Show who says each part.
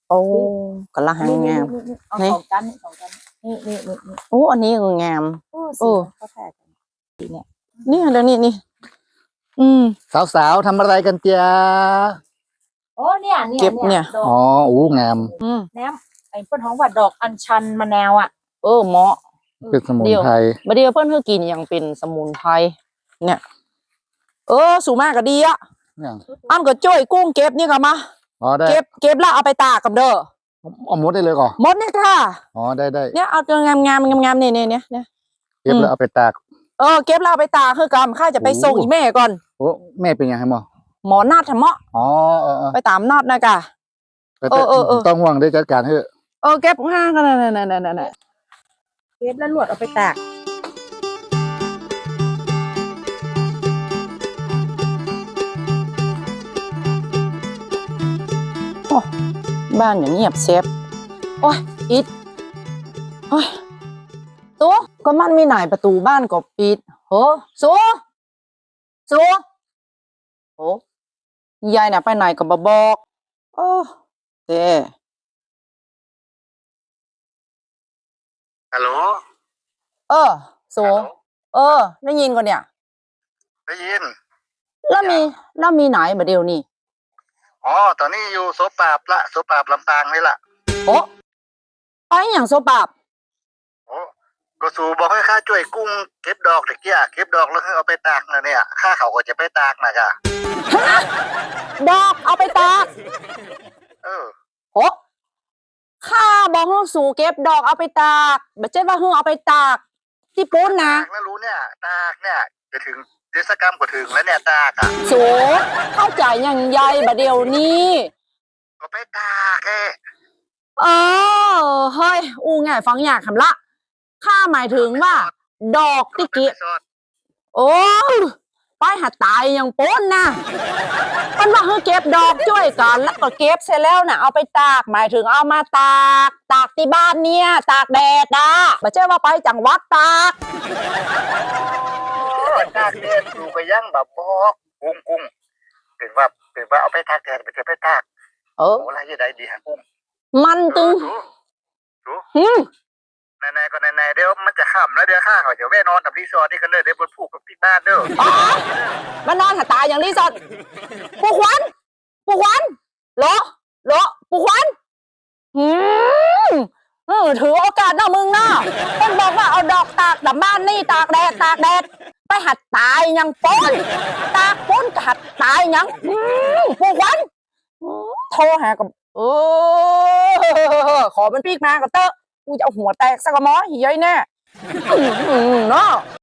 Speaker 1: โอ้กะละหังงาม
Speaker 2: เอา
Speaker 1: นี่
Speaker 2: สองกันนี่
Speaker 1: โอ้อันนี้ก็งาม
Speaker 2: สีเขาแทกกันสีเนี่ย
Speaker 1: นี่เดี๋ยวนี้
Speaker 3: สาวๆทำอะไรกันเจีย
Speaker 2: โอ้เนี่ย
Speaker 1: เก็บเนี่ย
Speaker 2: ดอก
Speaker 3: อ๋ออู้งาม
Speaker 2: แหนมไอ้เปิ้นท้องว่าดอกอัญชันมะนาวอ่ะ
Speaker 1: เหมาะ
Speaker 3: เป็นสมุนไพร
Speaker 1: บัดเดียวเพิ่นคือกินอย่างเป็นสมุนไพรเนี่ย สูงมากก็ดีอ่ะ
Speaker 3: อย่าง
Speaker 1: อ้ำก็จ้อยกุ้งเก็บนี่ก็มา
Speaker 3: อ๋อได้
Speaker 1: เก็บแล้วเอาไปตากกับเด้อ
Speaker 3: เอาหมดได้เลยก่อน
Speaker 1: หมดเนี่ยค่ะ
Speaker 3: อ๋อได้
Speaker 1: เนี่ยเอาตัวงามเนี่ย
Speaker 3: เก็บแล้วเอาไปตาก
Speaker 1: เก็บแล้วเอาไปตากคือกำข้าจะไปส่งอีแม่ก่อน
Speaker 3: โอ้แม่เป็นยังไงหมอ
Speaker 1: หมอนาดทำเหมาะ
Speaker 3: อ๋อ
Speaker 1: ไปตามนาดนะกะ
Speaker 3: ต้องห่วงได้จัดการเถอะ
Speaker 1: เก็บง่ายกันนั่น
Speaker 2: เก็บแล้วลวดเอาไปตาก
Speaker 1: บ้านอย่างเงียบเซฟโอ้ยปิดโอ้ยตัวก็มันมีหน่ายประตูบ้านก็ปิดโหสัวโหยายน่ะไปไหนก็บ่บอกโอ้เด้
Speaker 3: ฮัลโหล
Speaker 1: สัวได้ยินก่อนเนี่ย
Speaker 3: ได้ยิน
Speaker 1: แล้วมีไหนมาเดียวนี่
Speaker 3: อ๋อตอนนี้อยู่โซปราบลำปางนี่แหละ
Speaker 1: โอ้ไปอย่างโซปาบ
Speaker 3: โอ้ก็สูบอกให้ข้าช่วยกุ้งเก็บดอกตะเกียเก็บดอกแล้วเอาไปตากนะเนี่ยข้าเขาก็จะไปตากนะกะ
Speaker 1: ดอกเอาไปตาก โหข้าบอกให้สู่เก็บดอกเอาไปตากไม่ใช่ว่าให้เอาไปตากที่ปุ้นนะ
Speaker 3: ตากแล้วรู้เนี่ยตากเนี่ยจะถึงเทศกาลก็ถึงแล้วเนี่ยตากอ่ะ
Speaker 1: สูเข้าใจอย่างใหญ่บะเดียวนี้
Speaker 3: ก็ไปตากแค่
Speaker 1: เฮ้ยง่ายฟังอยากคำละข้าหมายถึงว่า ดอกที่เก็บโอ้ไปหาตายอย่างปุ้นนะมันว่าให้เก็บดอกช่วยกันแล้วก็เก็บเสร็จแล้วน่ะเอาไปตากหมายถึงเอามาตากที่บ้านเนี่ยตากแดดนะไม่ใช่ว่าไปจังหวัดตาก
Speaker 3: ตากเนี่ยดูก็ยังแบบบอกกุ้งเป็นว่าเอาไปตากแดดไปไปตากโอ้ไรยังไงดีฮะกุ้ง
Speaker 1: มันตึง
Speaker 3: นายก็นายเดี๋ยวมันจะค่ำแล้วเดี๋ยวข้าเขาจะแว่นอนกับรีสอร์ทนี่กันเลยเดี๋ยวบนผูกกับที่บ้านเด้อ
Speaker 1: มานอนหาตายอย่างรีสอร์ทปู่ขวัญเหรอปู่ขวัญถือโอกาสเนาะมึงเนาะต้องบอกว่าเอาดอกตากดับบ้านนี่ตากแดดไปหัดตายอย่างป้นตากป้นหัดตายอย่างปู่ขวัญโทรหากับขอมันพีกมากับเตอะกูจะเอาหัวแตกสักกระม้อเฮ้ยแน่เนาะ